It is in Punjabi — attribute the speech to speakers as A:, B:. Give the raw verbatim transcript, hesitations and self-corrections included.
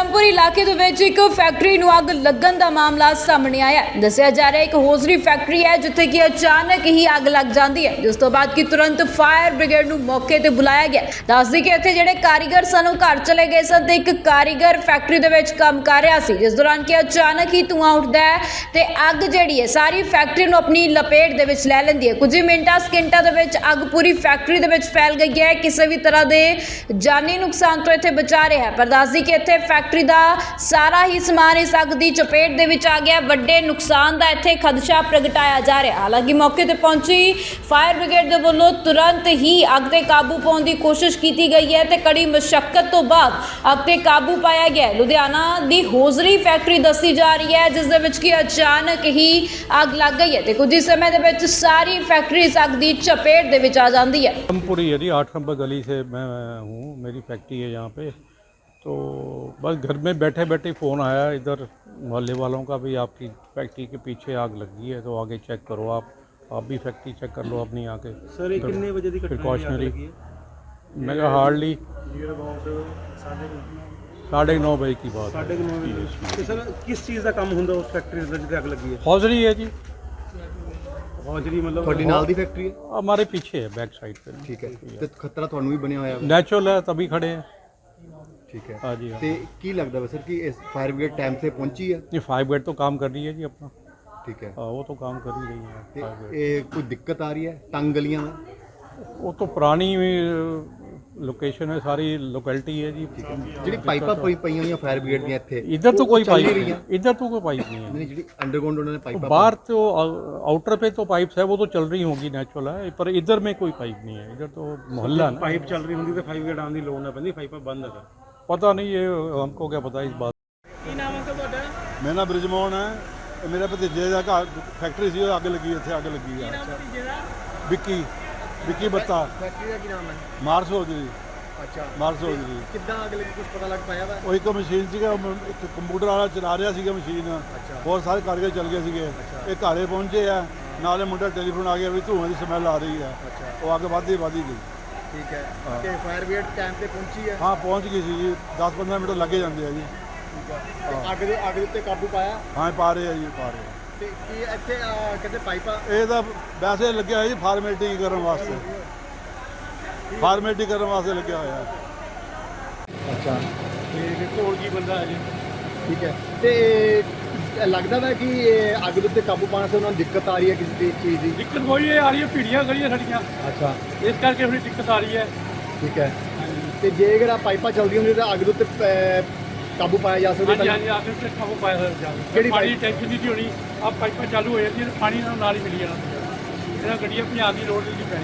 A: ਧਰਮਪੁਰ ਇਲਾਕੇ ਦੇ ਵਿੱਚ ਇੱਕ ਫੈਕਟਰੀ ਨੂੰ ਅੱਗ ਲੱਗਣ ਦਾ ਮਾਮਲਾ ਸਾਹਮਣੇ ਆਇਆ ਹੈ। ਦੱਸਿਆ ਜਾ ਰਿਹਾ ਹੈ ਇੱਕ ਹੋਜ਼ਰੀ ਫੈਕਟਰੀ ਹੈ ਜਿੱਥੇ ਕਿ ਅਚਾਨਕ ਹੀ ਅੱਗ ਲੱਗ ਜਾਂਦੀ ਹੈ, ਜਿਸ ਤੋਂ ਬਾਅਦ ਕਿ ਤੁਰੰਤ ਫਾਇਰ ਬ੍ਰਿਗੇਡ ਨੂੰ ਮੌਕੇ ਤੇ ਬੁਲਾਇਆ ਗਿਆ। ਦੱਸਦੀ ਕਿ ਇੱਥੇ ਜਿਹੜੇ ਕਾਰੀਗਰ ਸਨ ਉਹ ਘਰ ਚਲੇ ਗਏ ਸਨ ਤੇ ਇੱਕ ਕਾਰੀਗਰ ਫੈਕਟਰੀ ਦੇ ਵਿੱਚ ਕੰਮ ਕਰ ਰਿਹਾ ਸੀ, ਜਿਸ ਦੌਰਾਨ ਕਿ ਅਚਾਨਕ ਹੀ ਧੂੰਆਂ ਉੱਠਦਾ ਹੈ ਤੇ ਅੱਗ ਜਿਹੜੀ ਹੈ ਸਾਰੀ ਫੈਕਟਰੀ ਨੂੰ ਆਪਣੀ ਲਪੇਟ ਦੇ ਵਿੱਚ ਲੈ ਲੈਂਦੀ ਹੈ। ਕੁਝ ਹੀ ਮਿੰਟਾਂ ਸਕਿੰਟਾਂ ਦੇ ਵਿੱਚ ਅੱਗ ਪੂਰੀ ਫੈਕਟਰੀ ਦੇ ਵਿੱਚ ਫੈਲ ਗਈ ਹੈ। ਕਿਸੇ ਵੀ ਤਰ੍ਹਾਂ ਦੇ ਜਾਨੀ ਨੁਕਸਾਨ ਤੋਂ ਇੱਥੇ ਬਚਾ ਰਿਹਾ ਹੈ, ਪਰ ਦੱਸਦੀ ਕਿ ਇੱਥੇ ਫੈਕਟਰੀ ਦਾ ਸਾਰਾ ਹੀ ਸਮਾਨ ਇਸ ਅੱਗ ਦੀ ਚਪੇਟ ਦੇ ਵਿੱਚ ਆ ਗਿਆ। ਵੱਡੇ ਨੁਕਸਾਨ ਦਾ ਇੱਥੇ ਖਦਸ਼ਾ ਪ੍ਰਗਟਾਇਆ ਜਾ ਰਿਹਾ। ਹਾਲਾਂਕਿ ਮੌਕੇ ਤੇ ਪਹੁੰਚੀ ਫਾਇਰ ਬ੍ਰਿਗੇਡ ਦੇ ਵੱਲੋਂ ਤੁਰੰਤ ਹੀ ਅੱਗ ਤੇ ਕਾਬੂ ਪਾਉਣ ਦੀ ਕੋਸ਼ਿਸ਼ ਕੀਤੀ ਗਈ ਹੈ ਤੇ ਕੜੀ ਮੁਸ਼ੱਕਤ ਤੋਂ ਬਾਅਦ ਅੱਗ ਤੇ ਕਾਬੂ ਪਾਇਆ ਗਿਆ। ਲੁਧਿਆਣਾ ਦੀ ਹੋਜ਼ਰੀ ਫੈਕਟਰੀ ਦੱਸੀ ਜਾ ਰਹੀ ਹੈ, ਜਿਸ ਦੇ ਵਿੱਚ ਕਿ ਅਚਾਨਕ ਹੀ ਅੱਗ ਲੱਗ ਗਈ ਹੈ ਤੇ ਕੁਝ ਹੀ ਸਮੇਂ ਦੇ ਵਿੱਚ सारी फैक्ट्री इस अग की चपेट दे विच आ जाती है।
B: धर्मपुर ही है जी, आठ नंबर गली से मैं हूँ, मेरी फैक्ट्री है यहाँ पे। तो बस घर में बैठे बैठे फ़ोन आया इधर मोहल्ले वालों का, भी आपकी फैक्ट्री के पीछे आग लगी है तो आगे चेक करो। आप आप भी फैक्ट्री चेक कर लो अपनी आके।
C: सर ये कितने बजे की
B: प्रिकॉशनरी मैं हार्डली साढ़े नौ बजे की बात
C: साढ़े नौ बजे। तो सर किस चीज़ का काम होंगे उस फैक्ट्री जिसे अग लगी है?
B: हौजरी है जी,
C: हौजरी मतलब
D: ਤੁਹਾਡੀ ਨਾਲ ਦੀ ਫੈਕਟਰੀ ਹੈ?
B: हमारे पीछे है, बैक साइड पे।
D: ਠੀਕ ਹੈ, ਤੇ ਖਤਰਾ ਤੁਹਾਨੂੰ ਵੀ ਬਣਿਆ ਹੋਇਆ?
B: नेचुरल है तभी खड़े हैं।
D: ਠੀਕ ਹੈ
B: हाँ जी हाँ।
D: ਤੇ ਕੀ ਲੱਗਦਾ ਵਾ ਸਰ ਕਿ ਇਸ ਫਾਇਰ ਬ੍ਰਿਗੇਡ ਟਾਈਮ ਤੇ ਪਹੁੰਚੀ ਹੈ?
B: ये फायर ब्रिगेड तो काम कर रही है जी अपना।
D: ਠੀਕ ਹੈ,
B: हाँ, वो तो काम कर ही रही है
D: ਤੇ
B: फायर ब्रिगेड।
D: ਇਹ ਕੋਈ ਦਿੱਕਤ ਆ ਰਹੀ ਹੈ ਤੰਗ ਗਲੀਆਂ में?
B: वो तो पुरानी लोकेशन है, सारी लोकेलिटी है जी।
D: ਜਿਹੜੀ ਪਾਈਪਾਂ ਪਈ ਪਈਆਂ ਹੋਈਆਂ ਫਾਇਰ ਬ੍ਰਿਗੇਡ ਦੀਆਂ ਇੱਥੇ,
B: इधर तो
D: ਉਹ
B: कोई
D: ਚੱਲ
B: पाइप
D: ਨਹੀਂ
B: नहीं
D: ਰਹੀਆਂ?
B: है, इधर तो कोई पाइप नहीं है।
D: ਨਹੀਂ, ਜਿਹੜੀ ਅੰਡਰਗਰਾਉਂਡ ਉਹਨਾਂ ਨੇ ਪਾਈਪਾਂ
B: बाहर तो आउटर पे तो पाइप्स है, वो तो चल रही होंगी, नेचुरल है, पर इधर में कोई पाइप नहीं है। इधर तो मोहल्ला ना,
C: पाइप चल रही होंगी तो फाइव गेट आने की लोड़ ना पैंदी, पाइप बंद है।
B: पता नहीं, ये हमको क्या पता इस बात।
E: ਮੇਰਾ ਨਾਮ ਬ੍ਰਿਜਮੋਹਨ ਹੈ। ਇਹ ਮੇਰੇ ਭਤੀਜੇ ਦਾ ਘਰ ਫੈਕਟਰੀ ਸੀ, ਉਹ ਅੱਗ ਲੱਗੀ, ਇੱਥੇ ਅੱਗ ਲੱਗੀ ਆ। ਵਿੱਕੀ ਵਿੱਕੀ ਬੱਤਾ
D: ਫੈਕਟਰੀ ਦਾ ਕੀ ਨਾਮ ਹੈ?
E: Mars hosiery.
D: ਅੱਛਾ,
E: ਮਾਰਸ ਹੋਜਰੀ।
D: ਕਿੱਦਾਂ ਅੱਗ ਲੱਗੀ ਕੁਝ ਪਤਾ ਲੱਗ ਪਾਇਆ ਵਾ?
E: ਉਹ ਇੱਕ ਮਸ਼ੀਨ ਸੀਗਾ, ਉਹ ਇੱਕ ਕੰਪਿਊਟਰ ਵਾਲਾ ਚਲਾ ਰਿਹਾ ਸੀਗਾ ਮਸ਼ੀਨ। ਬਹੁਤ ਸਾਰੇ ਕਾਰੀਗਰ ਚੱਲ ਗਏ ਸੀਗੇ। ਇਹ ਘਰੇ ਪਹੁੰਚੇ ਆ, ਨਾਲੇ ਮੁੰਡਾ ਟੈਲੀਫੋਨ ਆ ਗਿਆ ਵੀ ਧੂਆਂ ਦੀ ਸਮੈਲ ਆ ਰਹੀ ਆ। ਉਹ ਅੱਗ ਵੱਧਦੀ ਵੱਧਦੀ ਗਈ।
D: ਠੀਕ ਹੈ, ਤੇ ਫਾਇਰ ਬ੍ਰਿਗੇਡ ਟਾਈਮ ਤੇ ਪਹੁੰਚੀ ਹੈ?
E: ਹਾਂ ਪਹੁੰਚ ਗਈ ਸੀ ਜੀ, ਦਸ ਪੰਦਰਾਂ ਮਿੰਟ ਲੱਗੇ ਜਾਂਦੇ ਆ ਜੀ।
D: ਤੇ ਅੱਗ ਦੇ ਅੱਗ ਦੇ ਉੱਤੇ ਕਾਬੂ ਪਾਇਆ?
E: ਹਾਂ ਪਾ ਰਹੇ ਆ ਜੀ, ਪਾ ਰਹੇ ਆ।
D: ਤੇ ਕੀ ਇੱਥੇ ਅਹ, ਕਹਿੰਦੇ ਪਾਈਪਾਂ?
E: ਇਹ ਤਾਂ ਵੈਸੇ ਲੱਗਿਆ ਹੋਇਆ ਜੀ ਫਾਰਮੈਲਿਟੀ ਕਰਨ ਵਾਸਤੇ, ਫਾਰਮੈਲਿਟੀ ਕਰਨ ਵਾਸਤੇ ਲੱਗਿਆ ਹੋਇਆ।
D: ਅੱਛਾ,
C: ਤੇ ਦੇਖੋ ਹੋਰ ਕੀ ਬੰਦਾ ਹੈ ਜੀ।
D: ਠੀਕ ਹੈ, ਤੇ ਇਹ ਲੱਗਦਾ ਵਾ ਕਿ ਇਹ ਅੱਗ ਦੇ ਉੱਤੇ ਕਾਬੂ ਪਾਉਣ 'ਤੇ ਉਹਨਾਂ ਨੂੰ ਦਿੱਕਤ ਆ ਰਹੀ ਹੈ ਕਿਸੇ ਦੀ ਚੀਜ਼ ਦੀ?
C: ਦਿੱਕਤ ਹੋਈ ਹੈ, ਆ ਰਹੀ ਹੈ, ਭੀੜੀਆਂ ਗਲੀਆਂ ਸਾਡੀਆਂ,
D: ਅੱਛਾ,
C: ਇਸ ਕਰਕੇ ਥੋੜੀ ਦਿੱਕਤ ਆ ਰਹੀ ਹੈ।
D: ਠੀਕ ਹੈ, ਤੇ ਜੇ ਅਗਰ ਆ ਪਾਈਪਾਂ ਚੱਲਦੀਆਂ ਹੁੰਦੀਆਂ ਤਾਂ ਅੱਗ ਦੇ ਉੱਤੇ ਅਹ, ਕਾਬੂ ਪਾਇਆ ਜਾ ਸਕਦਾ?
C: ਹਾਂਜੀ ਹਾਂਜੀ, ਆਖਿਰ ਤੇ ਕਾਬੂ ਪਾਇਆ ਜਾ
D: ਕਿਹੜੀ
C: ਪਾਣੀ
D: ਪਾਈਪ?
C: ਟੈਂਸ਼ਨ ਨਹੀਂ ਸੀ ਹੋਣੀ, ਆ ਪਾਈਪਾਂ ਚਾਲੂ ਹੋ ਜਾਂਦੀਆਂ ਤੇ ਪਾਣੀ ਨਾਲ ਨਾਲ ਹੀ ਮਿਲੀ ਜਾਣਾ। ਇਹਨਾਂ ਗੱਡੀਆਂ ਪੰਜਾਬ ਦੀ ਲੋੜ ਨਹੀਂ ਪੈਣੀ।